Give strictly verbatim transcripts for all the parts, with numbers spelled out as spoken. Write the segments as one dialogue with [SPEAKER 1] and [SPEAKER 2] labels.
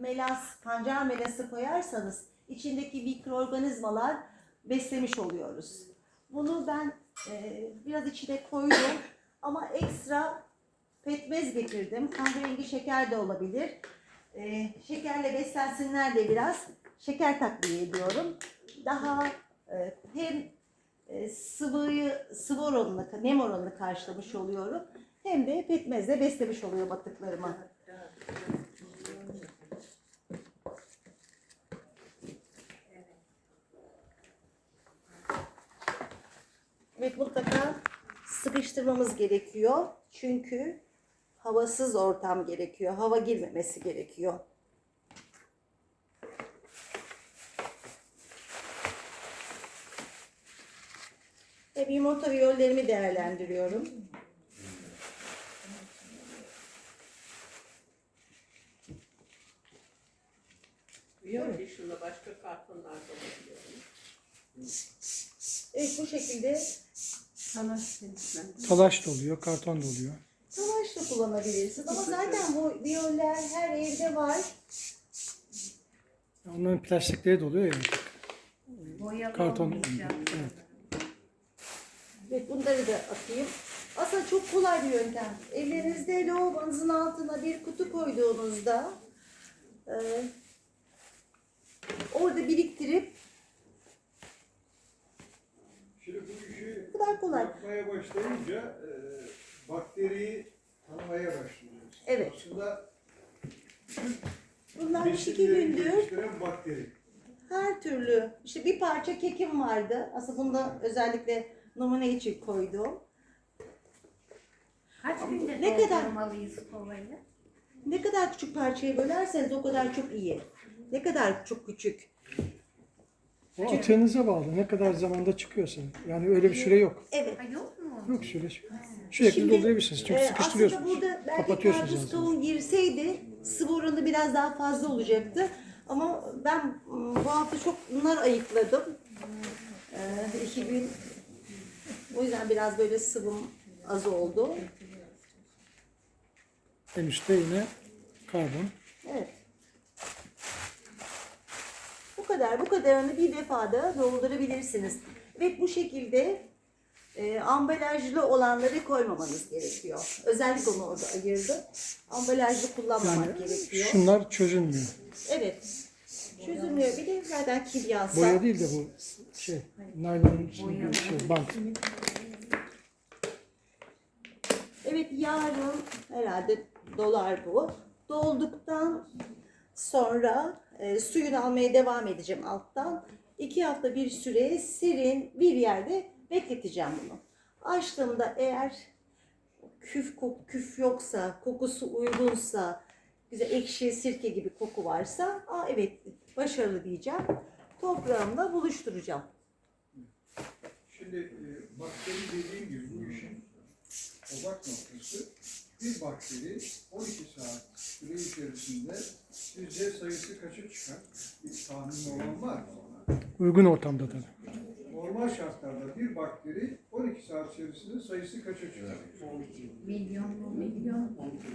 [SPEAKER 1] melas, pancar melası koyarsanız içindeki mikroorganizmalar beslemiş oluyoruz. Bunu ben e, biraz içine koydum ama ekstra pekmez getirdim. Kahverengi şeker de olabilir. E, şekerle beslensinler de biraz şeker takviye ediyorum. Daha e, hem e, sıvıyı, sıvı oranını, nem oranını karşılamış oluyorum. Hem de pekmezle beslemiş oluyor batıklarımı. Evet, mutlaka sıkıştırmamız gerekiyor. Çünkü havasız ortam gerekiyor. Hava girmemesi gerekiyor. Ve yumurta viyollerimi değerlendiriyorum.
[SPEAKER 2] Viyol dışında başka kartonlarda olabiliyor.
[SPEAKER 1] Evet, bu şekilde
[SPEAKER 2] Talaş
[SPEAKER 3] Talaş da oluyor, karton da oluyor.
[SPEAKER 1] talaş da kullanabilirsiniz. Ama zaten bu viyoller her evde var.
[SPEAKER 3] Onların plastikleri de oluyor ya.
[SPEAKER 2] Boyalı
[SPEAKER 3] Karton.
[SPEAKER 2] olmuş yani.
[SPEAKER 3] Evet.
[SPEAKER 1] Evet, bunları da atayım. Aslında çok kolay bir yöntem. Evlerinizde lavabonuzun altına bir kutu koyduğunuzda e, orada biriktirip
[SPEAKER 4] Şimdi bu işi
[SPEAKER 1] bu kadar kolay.
[SPEAKER 4] yapmaya başlayınca e, bakteriyi tanımaya başlıyoruz.
[SPEAKER 1] Evet.
[SPEAKER 4] Aslında
[SPEAKER 1] Bunlar iki
[SPEAKER 4] besinleri
[SPEAKER 1] gündür
[SPEAKER 4] geliştiren bakteri.
[SPEAKER 1] her türlü, işte bir parça kekim vardı. Aslında bunu da özellikle numune için koydum.
[SPEAKER 2] Kaç günde
[SPEAKER 1] Ne kadar-
[SPEAKER 2] doldurmalıyız kovayı?
[SPEAKER 1] Ne kadar küçük parçaya bölerseniz o kadar çok iyi. Ne kadar çok küçük.
[SPEAKER 3] O atığınıza bağlı. Ne kadar zamanda çıkıyorsa. Yani öyle bir süre yok.
[SPEAKER 1] Evet.
[SPEAKER 2] Ha, yok mu?
[SPEAKER 3] Yok süre. Sürekli
[SPEAKER 1] Şimdi,
[SPEAKER 3] doldurabilirsiniz. Çünkü
[SPEAKER 1] e,
[SPEAKER 3] sıkıştırıyorsunuz.
[SPEAKER 1] Aslında burada belki
[SPEAKER 3] Kapatıyorsunuz
[SPEAKER 1] karpuz
[SPEAKER 3] aslında.
[SPEAKER 1] kavun girseydi sıvı oranı biraz daha fazla olacaktı. Ama ben m, bu hafta çok nar ayıkladım. Ee, iki gün. O yüzden biraz böyle sıvım az oldu.
[SPEAKER 3] En üstte yine karbon.
[SPEAKER 1] Evet. Bu kadar. Bu kadarını bir defada doldurabilirsiniz. Ve bu şekilde e, ambalajlı olanları koymamanız gerekiyor. Özellikle onu orada ayırdım. Ambalajlı kullanmamak
[SPEAKER 3] Yani
[SPEAKER 1] gerekiyor.
[SPEAKER 3] şunlar çözülmüyor.
[SPEAKER 1] Evet. Çözülmüyor. Bir de zaten kimyasal.
[SPEAKER 3] Boya değil de bu şey, naylonun içinde bir şey, bant.
[SPEAKER 1] Evet, yarın herhalde dolar bu. Dolduktan sonra e, suyunu almaya devam edeceğim alttan. İki hafta bir süre serin bir yerde bekleteceğim bunu. Açtığımda eğer küf kok, küf yoksa, kokusu uygunsa, güzel ekşi sirke gibi koku varsa, aa evet başarılı diyeceğim. Toprağımla buluşturacağım.
[SPEAKER 4] Şimdi e, bakteri dediğim gibi bu işin odak noktası bir bakteri on iki saat süre içerisinde sizce sayısı kaça çıkar? Bir tahmin olan var mı ona?
[SPEAKER 3] Uygun ortamda tabii.
[SPEAKER 4] Normal şartlarda bir bakteri on iki saat içerisinde sayısı kaça çıkar?
[SPEAKER 2] Milyon mu? Milyon.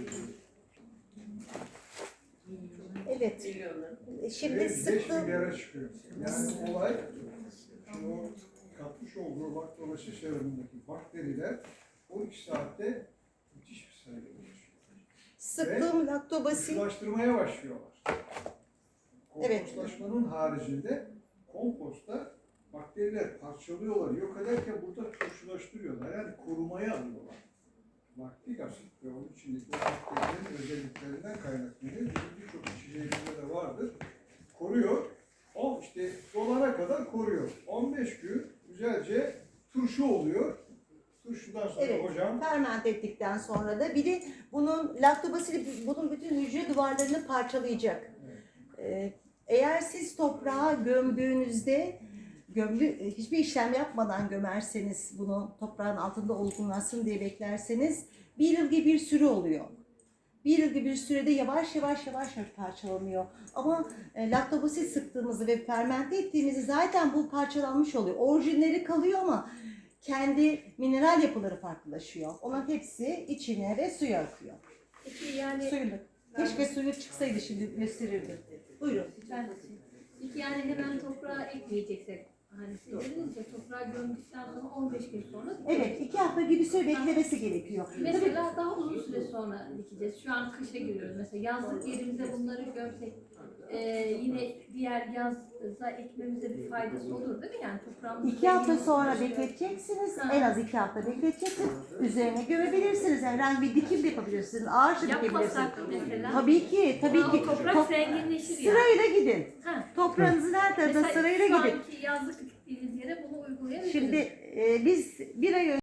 [SPEAKER 1] Evet.
[SPEAKER 2] Milyonlar.
[SPEAKER 1] Şimdi
[SPEAKER 4] Ve beş
[SPEAKER 1] sıktım.
[SPEAKER 4] milyara çıkıyor. Yani olay şimdi o katmış olduğu laktobasi serumundaki bakteriler on iki saatte müthiş bir sayıda oluşuyor.
[SPEAKER 1] Sıktığım laktobasil.
[SPEAKER 4] Turşulaştırmaya başlıyorlar.
[SPEAKER 1] Evet.
[SPEAKER 4] Kompostlaşmanın haricinde komposta bakteriler parçalıyorlar, yok ederken burada turşulaştırıyorlar. Yani korumaya alıyorlar. Laktik asit ve onun içindeki o bakterilerin özelliklerinden kaynaklanıyor. Bizim birçok içeceğimizde de vardır. Koruyor. O işte dolana kadar koruyor. on beş gün güzelce turşu oluyor. Turşudan sonra
[SPEAKER 1] Evet,
[SPEAKER 4] hocam
[SPEAKER 1] ferment ettikten sonra da bir de bunun laktobasili bunun bütün hücre duvarlarını parçalayacak. Ee, eğer siz toprağa gömdüğünüzde gömdü, hiçbir işlem yapmadan gömerseniz bunu toprağın altında olgunlaşsın diye beklerseniz bir yıl gibi bir süre oluyor. Bir yıl gibi bir sürede yavaş yavaş yavaş parçalanıyor. Ama e, laktobasil sıktığımızda ve fermente ettiğimizde zaten bu parçalanmış oluyor. Orijinleri kalıyor ama kendi mineral yapıları farklılaşıyor. Onun hepsi içine ve suya akıyor.
[SPEAKER 2] Peki yani
[SPEAKER 1] Suyunu. Keşke suyu çıksaydı şimdi gösterirdim. Buyurun.
[SPEAKER 5] Ben de şey- İki yani hemen toprağa ekmeyeceksek hani siz dediniz ya toprağa gömdükten sonra on beş gün sonra
[SPEAKER 1] Evet, iki hafta gibi süre beklemesi gerekiyor. Tabii
[SPEAKER 5] mesela daha uzun süre sonra dikeceğiz. Şu an kışa giriyoruz. Mesela yazlık yerimize bunları gömsek e, yine diğer yaza ekmemize bir faydası olur değil mi? Yani toprağımız
[SPEAKER 1] İki hafta sonra bekleteceksiniz. En az iki hafta bekleteceksiniz. Üzerine gömebilirsiniz. Herhangi bir dikim de yapabilirsiniz. Ağaç da dikebilirsiniz.
[SPEAKER 5] yapmasak mesela.
[SPEAKER 1] Tabii ki, tabii
[SPEAKER 5] Aa,
[SPEAKER 1] ki.
[SPEAKER 5] o toprak
[SPEAKER 1] Top-
[SPEAKER 5] zenginleşir yani.
[SPEAKER 1] Sırayla gidin.
[SPEAKER 5] Ha.
[SPEAKER 1] Toprağınızın her tarafına
[SPEAKER 5] Mesela
[SPEAKER 1] sırayla
[SPEAKER 5] şu
[SPEAKER 1] gidin.
[SPEAKER 5] anki yazlık diktiğimiz yere bunu uygulayabiliriz.
[SPEAKER 1] Şimdi e, biz bir ay önce